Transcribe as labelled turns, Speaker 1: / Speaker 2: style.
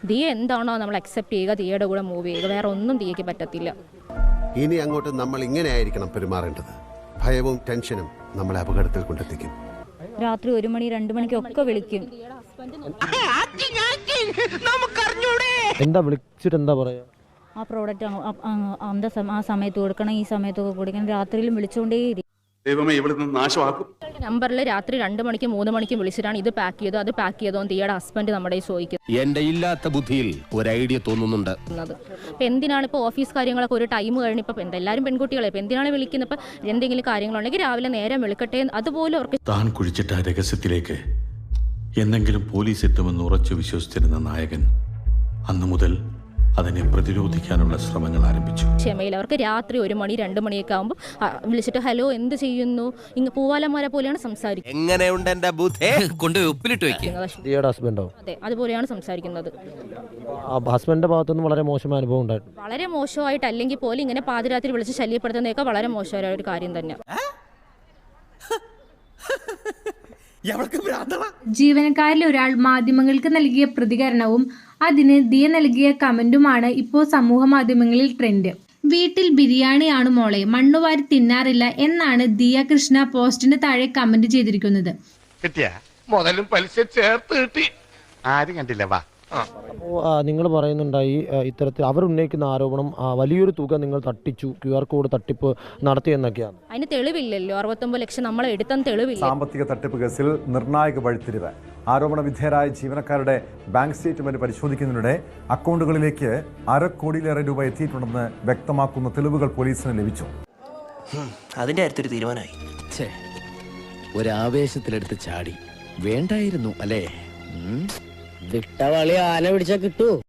Speaker 1: ദിയ എന്താണോ നമ്മൾ അക്സെപ്റ്റ് ചെയ്യുക, ദിയയുടെ കൂടെ മൂവ് ചെയ്യുക, വേറെ ഒന്നും ദിയയ്ക്ക് പറ്റത്തില്ല.
Speaker 2: ഇനി അങ്ങോട്ട് നമ്മൾ ഇങ്ങനെ ആയിരിക്കണം പെരുമാറേണ്ടത്. ഭയവും ടെൻഷനും നമ്മളെ അപകടത്തിൽ കൊണ്ടെത്തിക്കും.
Speaker 3: രാത്രി 1 മണി 2 മണിക്കൊക്കെ വിളിക്കും.
Speaker 4: എന്താ വിളിച്ചിട്ട് എന്താ പറയാ?
Speaker 3: ആ പ്രോഡക്റ്റ് ആ സമയത്ത് കൊടുക്കണം, ഈ സമയത്തൊക്കെ കൊടുക്കണം. രാത്രിയിലും വിളിച്ചുകൊണ്ടേയിരിക്കും.
Speaker 5: ദൈവമേ ഇവിടുന്ന് നാശമാക്കും.
Speaker 1: നമ്പറിൽ രാത്രി 2 മണിക്കും 3 മണിക്കും വിളിച്ചിട്ടാണ് ഇത് പാക്ക് ചെയ്തോ അത് പാക്ക് ചെയ്തോ ദിയയുടെ ഹസ്ബൻഡ് നമ്മുടെ ചോദിക്കുന്നത്.
Speaker 6: എന്റെ ഇല്ലാത്ത ബുദ്ധിയിൽ ഒരു ഐഡിയ തോന്നുന്നുണ്ട്.
Speaker 1: ഇപ്പം എന്തിനാണ് ഇപ്പോൾ ഓഫീസ് കാര്യങ്ങളൊക്കെ ഒരു ടൈം കഴിഞ്ഞ് ഇപ്പം എല്ലാവരും പെൺകുട്ടികളെ ഇപ്പം എന്തിനാണ് വിളിക്കുന്നത്? ഇപ്പം എന്തെങ്കിലും കാര്യങ്ങളുണ്ടെങ്കിൽ രാവിലെ നേരം വിളിക്കട്ടെ, അതുപോലെ അവർക്ക്
Speaker 7: താൻ കുഴിച്ചിട്ട രഹസ്യത്തിലേക്ക് എന്തെങ്കിലും പോലീസ് എത്തുമെന്ന് ഉറച്ചു വിശ്വസിച്ചിരുന്ന നായകൻ അന്നു മുതൽ അതിനെ പ്രതിരോധിക്കാനുള്ള ശ്രമങ്ങൾ ആരംഭിച്ചു.
Speaker 1: ക്ഷമയിൽ അവർക്ക് രാത്രി 1 മണി 2 മണിയൊക്കെ ആകുമ്പോൾ വിളിച്ചിട്ട് ഹലോ എന്ത് ചെയ്യുന്നു, ഇങ്ങ് പൂവാലന്മാരെ പോലെയാണ് സംസാരിക്കുന്നത്.
Speaker 6: എങ്ങനെയുണ്ട് എന്റെ ബുദ്ധി? കൊണ്ട് ഉപ്പിലിട്ട് വെക്കുക.
Speaker 4: ഹസ്ബൻഡോ?
Speaker 1: അതെ, അതുപോലെയാണ് സംസാരിക്കുന്നത്.
Speaker 4: ഹസ്ബൻഡിന്റെ ഭാഗത്തുനിന്ന് വളരെ മോശമായ അനുഭവം ഉണ്ടായിട്ടുണ്ട്.
Speaker 1: വളരെ മോശമായിട്ട് അല്ലെങ്കിൽ പോലും ഇങ്ങനെ പാതിരാത്രി വിളിച്ച് ശല്യപ്പെടുത്തുന്നതൊക്കെ വളരെ മോശമായ ഒരു കാര്യം തന്നെ.
Speaker 8: ജീവനക്കാരിൽ ഒരാൾ മാധ്യമങ്ങൾക്ക് നൽകിയ പ്രതികരണവും അതിന് ദിയ നൽകിയ കമന്റുമാണ് ഇപ്പോൾ സമൂഹ മാധ്യമങ്ങളിൽ ട്രെൻഡ്. വീട്ടിൽ ബിരിയാണിയാണ് മോളെ, മണ്ണുവാരി തിന്നാറില്ല എന്നാണ് ദിയ കൃഷ്ണ പോസ്റ്റിന് താഴെ കമന്റ് ചെയ്തിരിക്കുന്നത്.
Speaker 9: മുതലും പലിശ ചേർത്ത് കിട്ടി, ആരും കണ്ടില്ല. വാ,
Speaker 4: അപ്പോൾ നിങ്ങൾ പറയുന്നുണ്ടായി ഇത്തരത്തിൽ അവർ ഉന്നയിക്കുന്ന ആരോപണം വലിയൊരു തുക നിങ്ങൾ തട്ടിച്ചു, QR കോഡ് തട്ടിപ്പ് നടത്തിയെന്നൊക്കെയാണ്.
Speaker 1: അതിന് തെളിവില്ലല്ലോ. 69 ലക്ഷം നമ്മൾ എടുത്തെന്ന് തെളിവില്ല.
Speaker 10: സാമ്പത്തിക തട്ടിപ്പ് കേസിൽ നിർണായക വഴിത്തിരിവ്. ആരോപണ വിധേയരായ ജീവനക്കാരുടെ ബാങ്ക് സ്റ്റേറ്റ്മെന്റ് പരിശോധിക്കുന്നതിനിടെ അക്കൗണ്ടുകളിലേക്ക് 1/2 കോടിയിലേറെ രൂപ എത്തിയിട്ടുണ്ടെന്ന് വ്യക്തമാക്കുന്ന തെളിവുകൾ പോലീസിന് ലഭിച്ചു.
Speaker 6: അതിന്റെ അടുത്തൊരു തീരുമാനമായി. ഒരാവേശത്തിലെടുത്ത് ചാടി വേണ്ടായിരുന്നു അല്ലേ? വിട്ടവളി ആന പിടിച്ചാ കിട്ടൂ.